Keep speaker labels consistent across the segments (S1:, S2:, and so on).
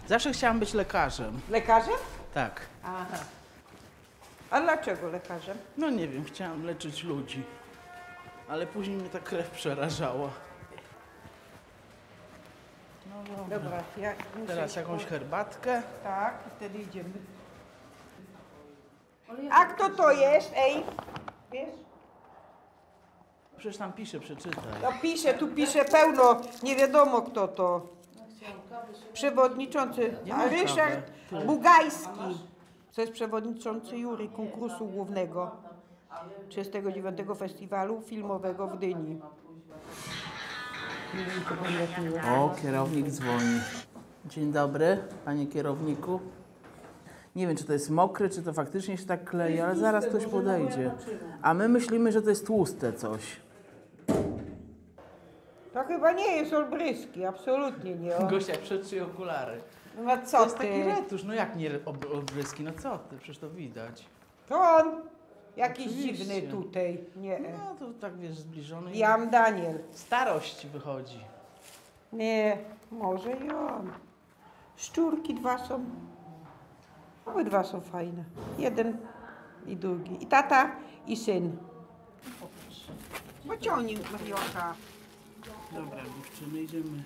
S1: Zawsze chciałam być lekarzem.
S2: Lekarzem?
S1: Tak.
S2: Aha. A dlaczego lekarzem?
S1: No nie wiem, chciałam leczyć ludzi. Ale później mnie ta krew przerażała. No dobra.
S2: Dobra, ja muszę
S1: Teraz
S2: iść
S1: jakąś
S2: po-
S1: herbatkę.
S2: Tak, i wtedy idziemy. A kto to jest? Ej, wiesz?
S1: Przecież tam pisze, przeczytaj.
S2: No pisze, tu pisze pełno, nie wiadomo kto to. Przewodniczący
S1: Nie mam
S2: Ryszard
S1: kawy.
S2: Bugajski. To jest przewodniczący jury konkursu głównego 39. Festiwalu Filmowego w Gdyni.
S1: O, kierownik dzwoni. Dzień dobry, panie kierowniku. Nie wiem, czy to jest mokre, czy to faktycznie się tak klei, ale zaraz ktoś podejdzie. A my myślimy, że to jest tłuste coś.
S2: To chyba nie jest olbryski, absolutnie nie.
S1: Gosia, przetrzyj okulary.
S2: No
S1: To
S2: co
S1: jest taki
S2: ty?
S1: retusz, no jak nie obryski, no co ty, przecież to widać.
S2: To on jakiś
S1: Oczywiście.
S2: dziwny tutaj. Nie.
S1: No to tak wiesz, zbliżony. i
S2: Jam Daniel.
S1: Starość wychodzi.
S2: Nie, może i on. Szczurki dwa są. Obydwa są fajne. Jeden i drugi. I tata, i syn. Pociągnij Marionka.
S1: Dobra, dziewczyny, idziemy.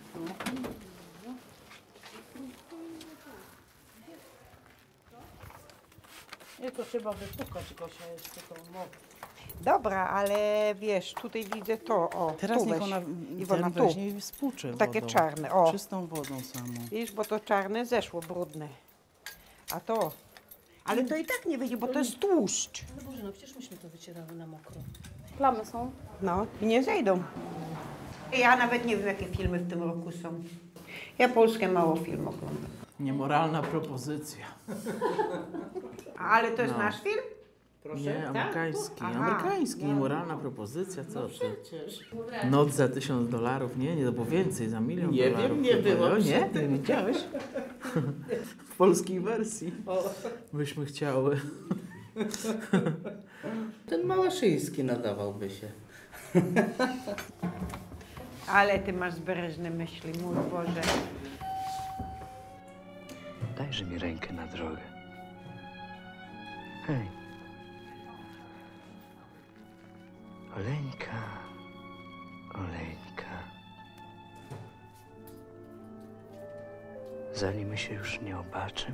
S3: Nie, to trzeba wypukać, Gosia, jeszcze to mokre.
S2: Dobra, ale wiesz, tutaj widzę to, o,
S1: Teraz
S2: tu
S1: niech
S2: weź.
S1: ona,
S2: Iwona,
S1: ten
S2: tu.
S1: weźmie i spłucze
S2: Takie
S1: wodą.
S2: czarne, o.
S1: Czystą wodą samą.
S2: Widzisz, bo to czarne zeszło, brudne. A to... Ale to i tak nie wyjdzie, bo to jest tłuszcz.
S3: No Boże, no przecież myśmy to wycierały na mokro. Plamy są.
S2: No, i nie zejdą. Ja nawet nie wiem, jakie filmy w tym roku są. Ja Polskę mało film oglądam.
S1: Niemoralna propozycja.
S2: Ale to jest
S1: No.
S2: nasz film?
S1: Nie, amerykański.
S2: Aha.
S1: Amerykański, niemoralna propozycja, co ty?
S3: Przecież.
S1: Noc za $1000, nie? To było więcej, za $1 000 000.
S3: Nie wiem, nie
S1: chyba.
S3: było
S1: No, nie,
S3: przy
S1: ty widziałeś? W polskiej wersji. Byśmy chciały.
S4: Ten Małaszyński nadawałby się.
S2: Ale ty masz zbereżne myśli, mój Boże.
S5: Dajże mi rękę na drogę. Hej. Oleńka, Oleńka. Zanim my się już nie obaczymy,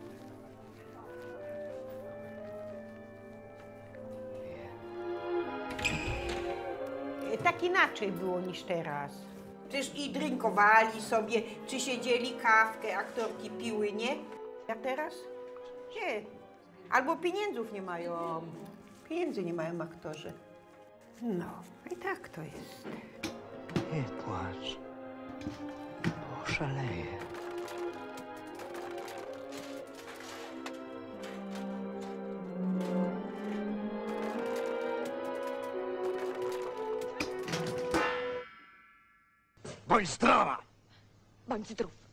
S2: Tak inaczej było niż teraz. Przecież i drinkowali sobie, czy siedzieli kawkę, aktorki piły, nie? A teraz? Nie. Albo pieniędzów nie mają. Pieniędzy nie mają aktorzy. No, i tak to jest.
S5: nie płacz, bo oszaleję.
S6: Bądź zdrowa!
S7: Bądź zdrów.